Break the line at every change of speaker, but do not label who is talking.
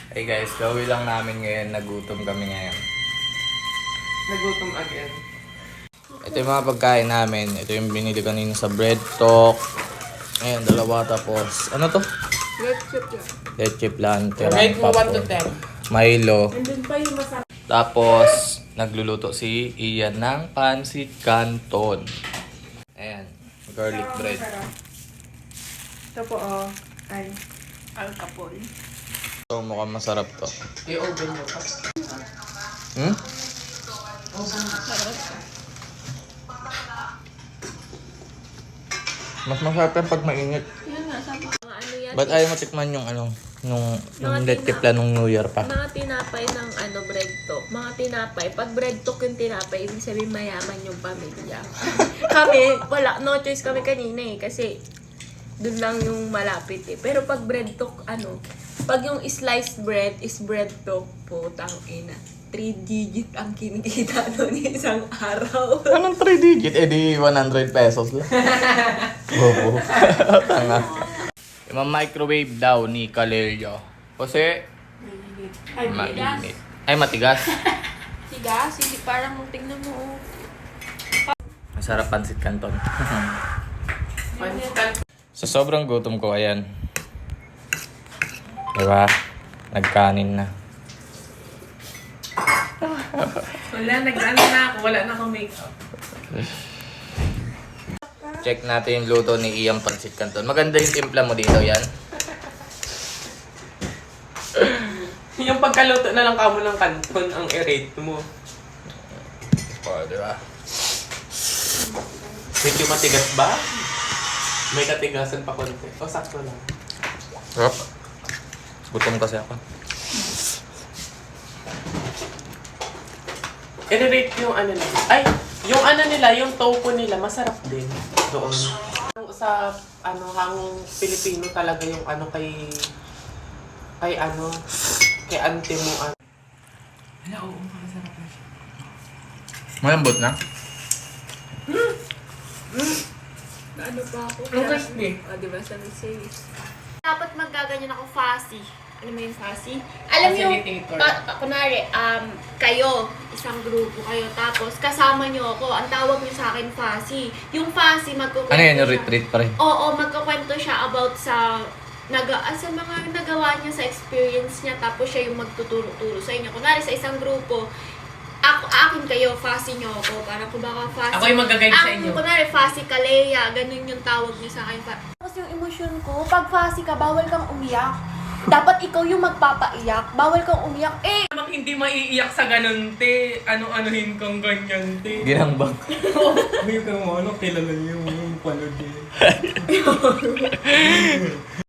Hey guys, gawin lang namin ngayon. Nagutom kami ngayon.
Nagutom again.
Ito yung mga pagkain namin. Ito yung binili kanina sa bread talk. Ayan, dalawa tapos. Ano to?
Red chip yan.
Leche plan,
Rate mo 1 to 10.
Milo.
Andun pa yung masarap.
Tapos, nagluluto si Ian ng pancit canton. Ayan, garlic bread.
Ito po, oh. Ay.
Alcapol.
So, mukhang masarap to.
I-oven mo pa.
Hmm? Mas masarap yan pag mainit.
Yun nga, sabi ko. Mga ano yan?
Ba't ayaw matikman yung ano, yung
Mga
leche plan nung New Year pa?
Mga tinapay ng ano, bread talk. Mga tinapay. Pag bread talk yung tinapay, ibig sabihin mayaman yung pamilya. Kami, wala, no choice kami kanina eh. Kasi, dun lang yung malapit eh. Pero pag bread talk, ano, pag yung sliced bread is bread talk, putang ina. 3 digit ang kinikita doon isang araw.
Anong 3 digit? Eh di 100 pesos lang. Bobo. Tanga. Ima-microwave daw ni Kalelio. Kasi
Ay,
mainit. Ay, matigas.
Tigas, hindi parang tingnan mo.
Masarap pancit canton.
Pancit.
Sa sobrang gutom ko, ayan. Diba? Nagkanin na.
Wala, nag-ano na ako. Wala na akong makeup.
Check natin yung luto ni Ian pancit canton. Maganda yung timpla mo dito, yan.
Yung pagkaluto na lang kamo ng kanton ang i-rate mo.
O, diba?
Medyo matigas ba? May katigasan pa konti. O, sakto lang.
Sarap. Gutom kasi ako.
I-rate yung ano nila. Ay! Yung ano nila, yung tofu nila, masarap din. Doon. Sa ano, hangong Pilipino talaga yung ano kay ano, kay ante mo. Wala, oo, masarap na siya.
Malambot na?
Ano pa ako?
Ang crispy.
O, diba sabi sa'yo?
Dapat maggaganyan ako fussy. Alam mo yung fussy? Alam mo yung,
Facilitator.
kunwari, kayo, isang grupo kayo, tapos kasama nyo ako, ang tawag nyo sa akin fussy. Yung fussy, magkukwento
Ano yan, yung
siya-
retreat pa rin?
Oo, magkukwento siya about sa sa mga nagawa niya sa experience niya, tapos siya yung magtuturo-turo sa inyo. Kunwari, sa isang grupo, akin kayo, fussy nyo ako, parang kung baka fussy.
Ako yung mag-guide sa inyo.
Kunwari, fussy Kalea, ganun yung tawag niyo sa akin. Tapos yung emosyon ko, pag fussy ka, bawal kang umiyak. Dapat ikaw yung magpapaiyak, bawal kang umiyak. Eh,
Namang hindi maiiyak sa ganun, te. Ano-anuhin kang ganyan, te.
Ginambang.
May kang ano, kilala niyo yung panood niya.